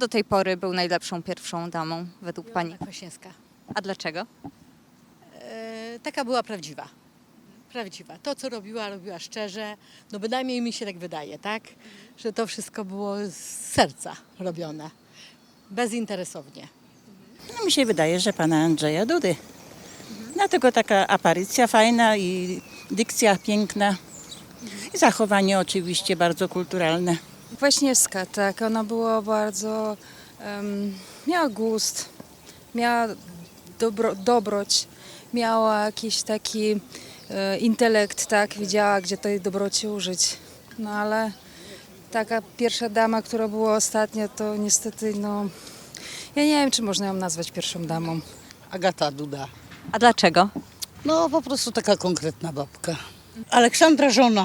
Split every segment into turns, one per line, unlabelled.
do tej pory był najlepszą pierwszą damą według pani?
Kwaśniewska.
A dlaczego?
Taka była prawdziwa. Prawdziwa. To, co robiła, robiła szczerze. No bynajmniej mi się tak wydaje, tak? Że to wszystko było z serca robione. Bezinteresownie.
No, mi się wydaje, że pana Andrzeja Dudy. Dlatego taka aparycja fajna i dykcja piękna. I zachowanie oczywiście bardzo kulturalne.
Kwaśniewska, tak. Ona była bardzo, miała gust, miała dobroć, miała jakiś taki intelekt, tak. Wiedziała, gdzie tej dobroci użyć. No ale taka pierwsza dama, która była ostatnia, to niestety, no, ja nie wiem, czy można ją nazwać pierwszą damą.
Agata Duda.
A dlaczego?
No po prostu taka konkretna babka. Aleksandra żona.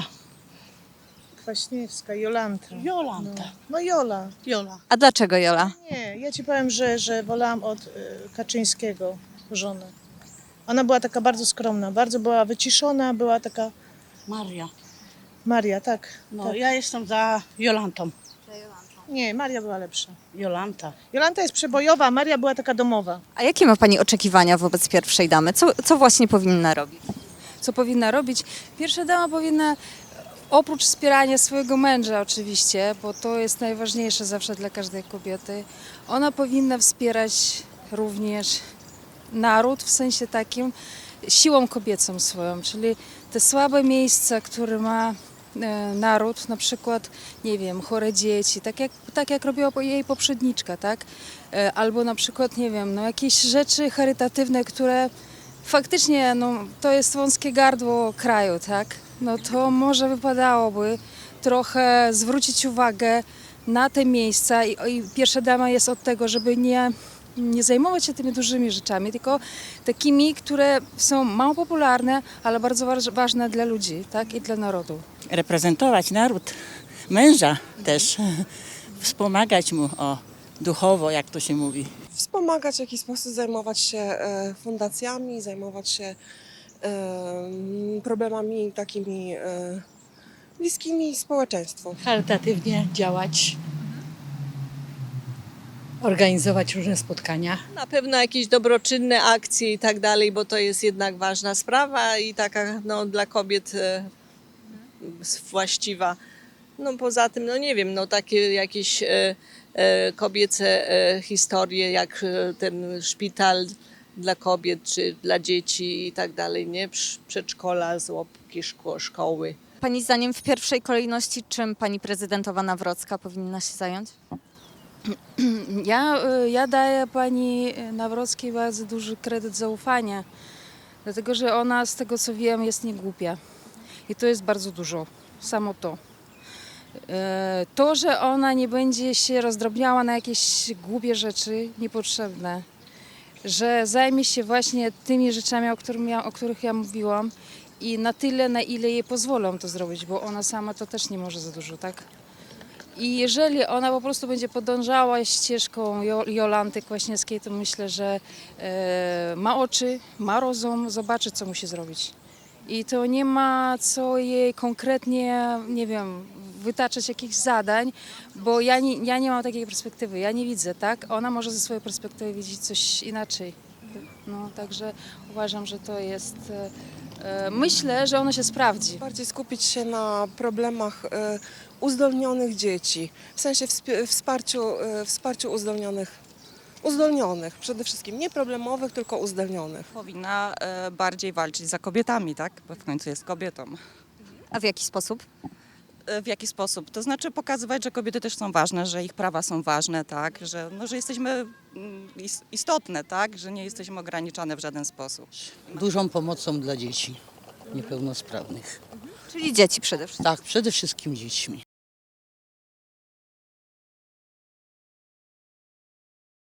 Kwaśniewska, Jolanta.
Jolanta.
No Jola.
Jola.
A dlaczego Jola?
Nie, ja ci powiem, że wolałam od Kaczyńskiego żonę. Ona była taka bardzo skromna, bardzo była wyciszona, była taka
Maria.
Maria, tak.
No
tak.
ja jestem za Jolantą.
Nie, Maria była lepsza.
Jolanta.
Jolanta jest przebojowa, a Maria była taka domowa.
A jakie ma pani oczekiwania wobec pierwszej damy? Co właśnie powinna robić?
Co powinna robić? Pierwsza dama powinna, oprócz wspierania swojego męża oczywiście, bo to jest najważniejsze zawsze dla każdej kobiety, ona powinna wspierać również naród w sensie takim siłą kobiecą swoją, czyli te słabe miejsca, które ma naród, na przykład, nie wiem, chore dzieci, tak jak robiła jej poprzedniczka, tak? Albo na przykład, nie wiem, no jakieś rzeczy charytatywne, które faktycznie, no, to jest wąskie gardło kraju, tak? No to może wypadałoby trochę zwrócić uwagę na te miejsca i pierwsza dama jest od tego, żeby nie zajmować się tymi dużymi rzeczami, tylko takimi, które są mało popularne, ale bardzo ważne dla ludzi, tak? I dla narodu.
Reprezentować naród, męża też, wspomagać mu duchowo, jak to się mówi.
Wspomagać w jakiś sposób, zajmować się fundacjami, zajmować się problemami takimi bliskimi społeczeństwu.
Charytatywnie działać. Organizować różne spotkania.
Na pewno jakieś dobroczynne akcje i tak dalej, bo to jest jednak ważna sprawa i taka no, dla kobiet właściwa. No poza tym, no nie wiem, no takie jakieś kobiece historie, jak ten szpital dla kobiet czy dla dzieci i tak dalej, nie? Przedszkola, żłobki, szkoły.
Pani zdaniem w pierwszej kolejności czym pani prezydentowa Nawrocka powinna się zająć?
Ja daję pani Nawrockiej bardzo duży kredyt zaufania, dlatego że ona, z tego co wiem, jest niegłupia. I to jest bardzo dużo, samo to. To, że ona nie będzie się rozdrobniała na jakieś głupie rzeczy niepotrzebne, że zajmie się właśnie tymi rzeczami, o których ja mówiłam i na tyle, na ile jej pozwolą to zrobić, bo ona sama to też nie może za dużo, tak? I jeżeli ona po prostu będzie podążała ścieżką Jolanty Kwaśniewskiej, to myślę, że ma oczy, ma rozum, zobaczy, co musi zrobić. I to nie ma co jej konkretnie, nie wiem, wytaczać jakichś zadań, bo ja nie mam takiej perspektywy, ja nie widzę, tak? Ona może ze swojej perspektywy widzieć coś inaczej. No, także uważam, że to jest... Myślę, że ono się sprawdzi.
Bardziej skupić się na problemach uzdolnionych dzieci, w sensie wsparciu uzdolnionych przede wszystkim, nie problemowych, tylko uzdolnionych.
Powinna bardziej walczyć za kobietami, tak? Bo w końcu jest kobietą.
A w jaki sposób?
W jaki sposób? To znaczy pokazywać, że kobiety też są ważne, że ich prawa są ważne, tak? Że jesteśmy istotne, tak? Że nie jesteśmy ograniczane w żaden sposób.
Dużą pomocą dla dzieci niepełnosprawnych.
Czyli dzieci przede wszystkim.
Tak, przede wszystkim dziećmi.